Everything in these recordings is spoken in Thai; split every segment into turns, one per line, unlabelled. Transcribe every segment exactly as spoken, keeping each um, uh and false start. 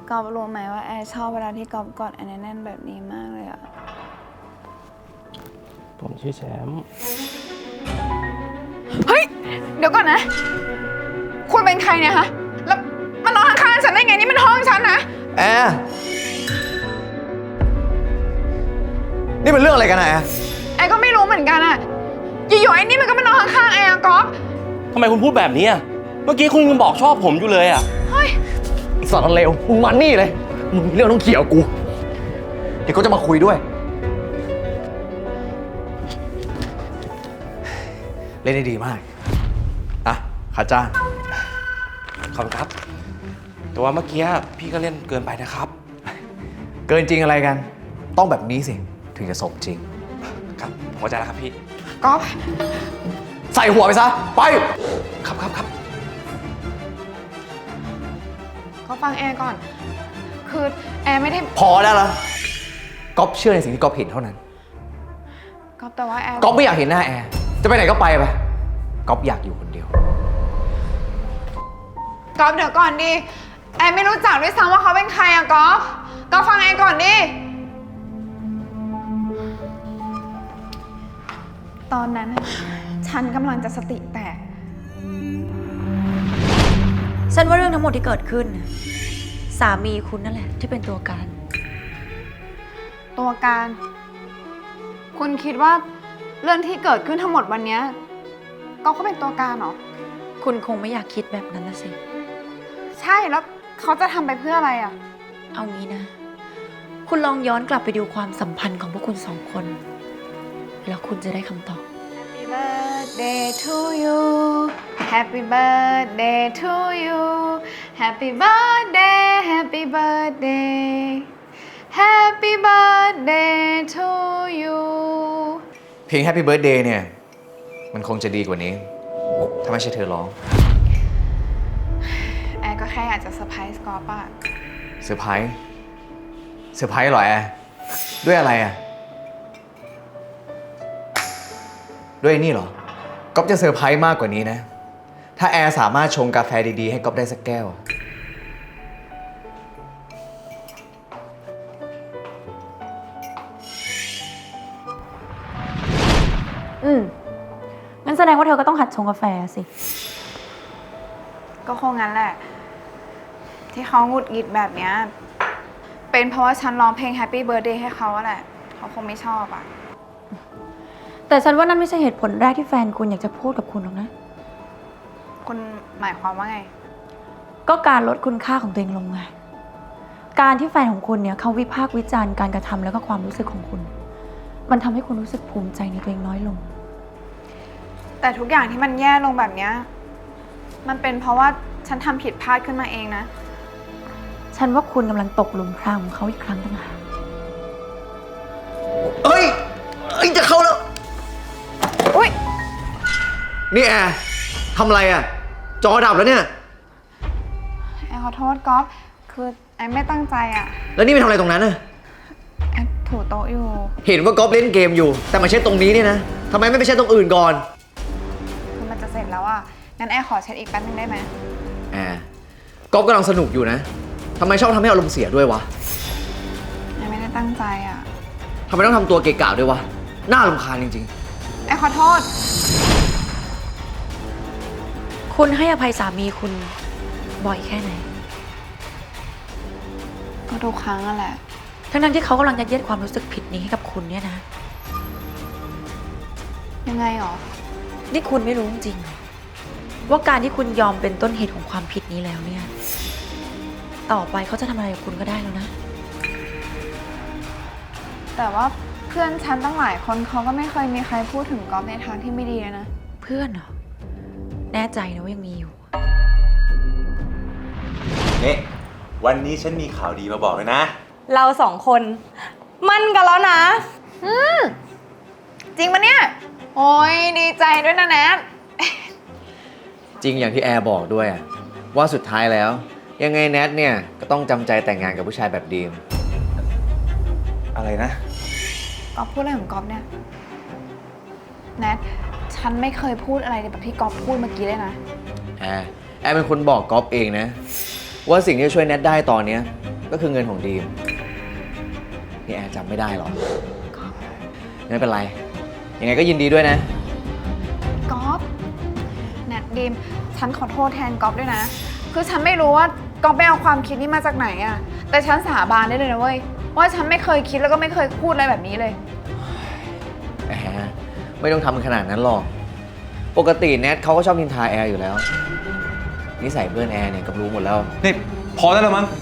กอบรู้ไหมว่าแอร์ชอบเวลาที่กอบกอดแอร์แน่นๆแบบนี้มากเลยอะ
ผมชื่อแชมป์
เฮ้ยเดี๋ยวก่อนนะคุณเป็นใครเนี่ยฮะแล้วมานอนข้างๆฉันได้ไงนี่มันห้องฉันนะ
แอร์นี่เป็นเรื่องอะไรกันนะแอร์
แอร์ก็ไม่รู้เหมือนกันอะอยู่ๆไอ้นี่มันก็มานอนข้างๆแอร์กอบ
ทำไมคุณพูดแบบนี้อ่ะเมื่อกี้คุณยังบอกชอบผมอยู่เลยอ่ะ
เฮ้ย
ไอ้สารเลวมึงมันนี่เลยมึงมีเรื่องต้องเกี่ยวกูเดี๋ยวก็จะมาคุยด้วยเล่นได้ดีมากอ่ะค่าจ้าง
ขอบคุณครับแต่ว่าเมื่อกี้พี่ก็เล่นเกินไปนะครับ
เกินจริงอะไรกันต้องแบบนี้สิถึงจะสมจริง
ครับผมเข้าใจแล้วครับพี่
กอบ
ใส่หัวไปซะไป
ครับครับครับ
ก็ฟังแอร์ก่อนคือแอร์ไม่ได้
พอได้ละก๊อฟเชื่อในสิ่งที่ก๊อฟเห็นเท่านั้น
กอบแต่ว่าแอร์
ก๊อฟไม่อยากเห็นหน้าแอร์จะไปไหนก็ไปไปก๊อฟอยากอยู่คนเดียว
กอบเดี๋ยวก่อนดิแอร์ไม่รู้จักด้วยซ้ำว่าเขาเป็นใครอะกอบกอบฟังแอร์ก่อนดิตอนนั้นฉันกำลังจะสติแตก
ฉันว่าเรื่องทั้งหมดที่เกิดขึ้นสามีคุณนั่นแหละที่เป็นตัวการ
ตัวการ คุณคิดว่าเรื่องที่เกิดขึ้นทั้งหมดวันนี้ก็เขาเป็นตัวการเหรอ
คุณคงไม่อยากคิดแบบนั้นนะสิ
ใช่แล้วเขาจะทำไปเพื่ออะไรอ่ะ
เอางี้นะคุณลองย้อนกลับไปดูความสัมพันธ์ของพวกคุณสองคนแล้วคุณจะได้คำตอบ
Happy birthday to you Happy birthday to you Happy birthday Happy birthday Happy birthday to you
เพลง Happy Birthday เนี่ยมันคงจะดีกว่านี้ถ้าไม่ใช่เธอร้อง
แอร์ก็แค่อยากจะเซอร์ไพรส์กอล์ฟอะ
เซอร์ไพรส์เซอร์ไพรส์เหรอแอร์ด้วยอะไรอ่ะด้วยนี่เหรอก๊อฟจะเซอร์ไพรส์มากกว่านี้นะถ้าแอร์สามารถชงกาแฟดีๆให้ก๊อฟได้สักแก้ว
อืมงั้นแสดงว่าเธอก็ต้องหัดชงกาแฟสิ
ก็คงงั้นแหละที่เขาหงุดหงิดแบบเนี้ยเป็นเพราะว่าฉันร้องเพลง Happy Birthday ให้เขาแหละเขาคงไม่ชอบอ่ะ
แต่ฉันว่านั่นไม่ใช่เหตุผลแรกที่แฟนคุณอยากจะพูดกับคุณหรอกนะ
คุณหมายความว่าไง
ก็การลดคุณค่าของตัวเองลงไงการที่แฟนของคุณเนี่ยเขาวิพากษ์วิจารณ์การกระทำแล้วก็ความรู้สึกของคุณมันทำให้คุณรู้สึกภูมิใจในตัวเองน้อยลง
แต่ทุกอย่างที่มันแย่ลงแบบเนี้ยมันเป็นเพราะว่าฉันทำผิดพลาดขึ้นมาเองนะ
ฉันว่าคุณกำลังตกหลุมพรางของเขาอีกครั้งต่างหาก
เอ้ยเอ้ยจะเข้าแล้ว
อุ้ย
นี่แอร์ทำอะไรอ่ะจอดับแล้วเนี่ย
แอร์ขอโทษก๊อฟคือแอร์ไม่ตั้งใจอ่ะ
แล้วนี่ไปทำอะไรตรงนั้นน่ะ
แอร์ถูโต๊ะอยู่
เห็นว่าก๊อฟเล่นเกมอยู่แต่มาเช็ดตรงนี้เนี่ยนะทำไมไม่ไปเช็ดตรงอื่นก่อน
คือมันจะเสร็จแล้วอ่ะงั้นแอร์ขอเช็ดอีกแป๊บนึงได้ไหม
แอร์ก๊อฟกำลังสนุกอยู่นะทำไมชอบทำให้อารมณ์เสียด้วยวะ
แอร์ไม่ได้ตั้งใจอ่ะ
ทำไมต้องทำตัวเกะกะด้วยวะน่ารำคาญจริง
ๆแอร์ขอโทษ
คุณให้อภัยสามีคุณบ่อยแค่ไหน
ก็ทุกครั้งนั่นแหละ
ทั้งนั้นที่เขากำลังยัดเยียดความรู้สึกผิดนี้ให้กับคุณเนี่ยนะ
ยังไงหรอ
นี่คุณไม่รู้จริงว่าการที่คุณยอมเป็นต้นเหตุของความผิดนี้แล้วเนี่ยต่อไปเขาจะทำอะไรกับคุณก็ได้แล้วนะ
แต่ว่าเพื่อนฉันตั้งหลายคนเขาก็ไม่เคยมีใครพูดถึงก๊อฟในทางที่ไม่ดีเลยนะ
เพื่อนเหรอแน่ใจนะว่ายังมีอยู่
นี่วันนี้ฉันมีข่าวดีมาบอกเลยนะ
เราสองคนมั่นกันแล้วนะ
อืมจริงปะเนี่ยโอ้ยดีใจด้วยนะแนท
จริงอย่างที่แอร์บอกด้วยว่าสุดท้ายแล้วยังไงแนทเนี่ยก็ต้องจำใจแต่งงานกับผู้ชายแบบดีม
อะไรนะ
ก๊อฟพูดอะไรของก๊อฟเนี่ยแนทฉันไม่เคยพูดอะไรแบบที่ก๊อฟพูดเมื่อกี้เลยนะ
แอร์แอร์เป็นคนบอกก๊อฟเองนะว่าสิ่งที่ช่วยแนทได้ตอนนี้ก็คือเงินของดีมนี่แอร์จำไม่ได้หรอไม่เป็นไร ยังไงก็ยินดีด้วยนะ
ก๊อฟแนทดีมฉันขอโทษแทนก๊อฟด้วยนะ คือฉันไม่รู้ว่าก๊อฟไปเอาความคิดนี้มาจากไหนอะแต่ฉันสาบานได้เลยนะเว้ยว่าฉันไม่เคยคิดแล้วก็ไม่เคยพูดอะไรแบบนี้เลย
แอร์ไม่ต้องทำขนาดนั้นหรอก ปกติแนทเขาก็ชอบนินทาแอร์อยู่แล้ว นิสัยเพื่อนแอร์เนี่ยกับรู้หมดแล้ว
นี่พอได้แล้วมั้ง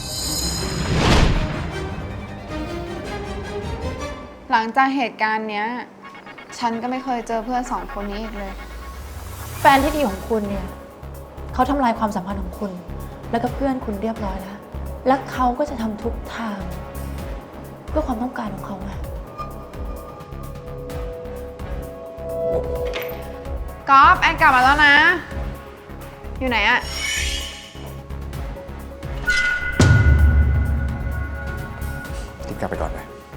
หลังจากเหตุการณ์เนี้ย ฉันก็ไม่เคยเจอเพื่อนสองคนนี้อีกเลย
แฟนที่ดีของคุณเนี่ยเขาทำลายความสัมพันธ์ของคุณ แล้วก็เพื่อนคุณเรียบร้อยแล้ว และเขาก็จะทำทุกทาง เพื่อความต้องการของเขาไง
ก๊อฟแอนกลับมาแล้วนะ อยู่ไหนอะ
รีบกลับไปก่อนไป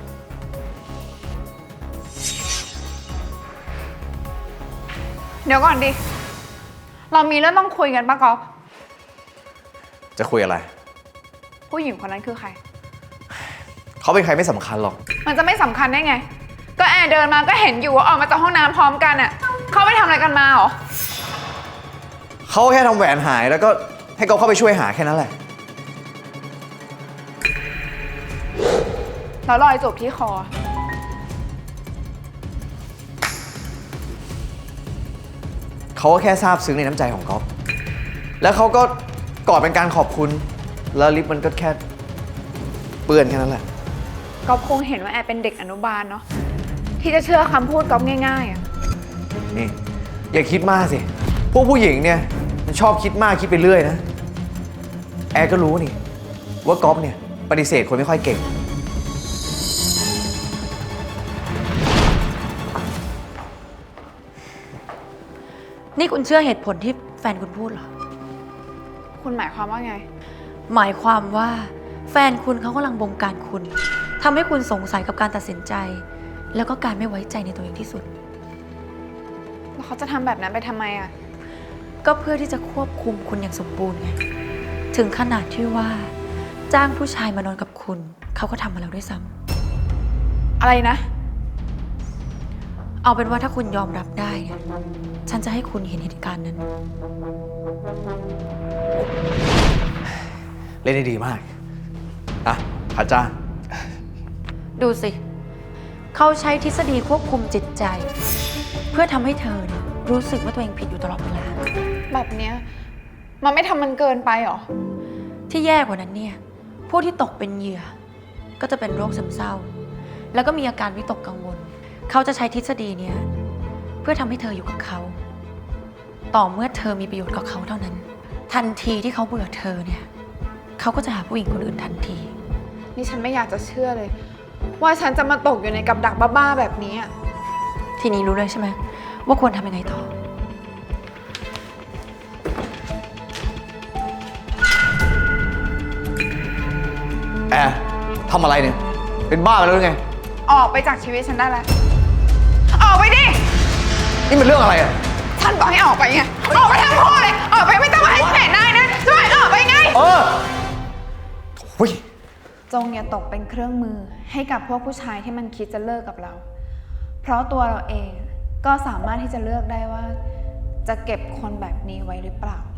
เดี๋ยวก่อนดิ เรามีเรื่องต้องคุยกันปะก๊อฟ
จะคุยอะไร
ผู้หญิงคนนั้นคือใคร
เขาเป็นใครไม่สำคัญหรอก
มันจะไม่สำคัญได้ไง ก็แอนเดินมาก็เห็นอยู่ว่าออกมาจากห้องน้ำพร้อมกันอะเขาไปทำอะไรกันมาเหรอ
เขาแค่ทำแหวนหายแล้วก็ให้เขาเข้าไปช่วยหาแค่นั้นแหละ
แล้วรอยจูบที่คอ
เขาก็แค่ซาบซึ้งในน้ำใจของก๊อฟแล้วเขาก็กอดเป็นการขอบคุณ แล้วลิปมันก็แค่เปื้อนแค่นั้นแหละ
ก๊อฟคงเห็นว่าแอนเป็นเด็กอนุบาลเนาะที่จะเชื่อคำพูดก๊อฟง่ายๆอะ
นี่ อย่าคิดมากสิ พวกผู้หญิงเนี่ยมันชอบคิดมากคิดไปเรื่อยนะ แอร์ก็รู้นี่ ว่าก๊อฟเนี่ยปฏิเสธคนไม่ค่อยเก่ง
นี่คุณเชื่อเหตุผลที่แฟนคุณพูดเหรอ
คุณหมายความว่าไง
หมายความว่าแฟนคุณเขากำลังบงการคุณทำให้คุณสงสัยกับการตัดสินใจ แล้วก็การไม่ไว้ใจในตัวเองที่สุด
แล้วเขาจะทำแบบนั้นไปทำไมอะ
ก็เพื่อที่จะควบคุมคุณอย่างสมบูรณ์ไง ถึงขนาดที่ว่า จ้างผู้ชายมานอนกับคุณ เขาก็ทำมาแล้วด้วยซ้ำ
อะไรนะ
เอาเป็นว่าถ้าคุณยอมรับได้เนี่ยฉันจะให้คุณเห็นเหตุการณ์นั้น
เล่นได้ดีมาก อ่ะพัดจ้า
ดูสิ เขาใช้ทฤษฎีควบคุมจิตใจ เพื่อทำให้เธอเนี่ยรู้สึกว่าตัวเองผิดอยู่ตลอดเวลา
แบบเนี้ยมันไม่ทำมันเกินไปเหรอ
ที่แย่กว่านั้นเนี่ย ผู้ที่ตกเป็นเหยื่อ ก็จะเป็นโรคซึมเศร้า แล้วก็มีอาการวิตกกังวล เขาจะใช้ทฤษฎีเนี่ยเพื่อทำให้เธออยู่กับเขา ต่อเมื่อเธอมีประโยชน์กับเขาเท่านั้น ทันทีที่เขาเบื่อเธอเนี่ยเขาก็จะหาผู้หญิงคนอื่นทันที
นี่ฉันไม่อยากจะเชื่อเลย ว่าฉันจะมาตกอยู่ในกับดักบ้าๆแบบนี้อะ
ทีนี้รู้เลยใช่ไหมว่าควรทำยังไงต่อ
แอร์ทำอะไรเนี่ย เป็นบ้าไปแล้วหรือไง
ออกไปจากชีวิตฉันได้แล้ว ออกไปดิ
นี่มันเรื่องอะไรอ่ะ
ฉันบอกให้ออกไปไง ออกไปทั้งคู่เลย ออกไปไม่ต้องมาให้ฉันเห็นหน้านะช่วยออกไปไง
เออโอ้ย
จงอย่าตกเป็นเครื่องมือให้กับพวกผู้ชายที่มันคิดจะเลิกกับเรา เพราะตัวเราเองก็สามารถที่จะเลือกได้ว่า จะเก็บคนแบบนี้ไว้หรือเปล่า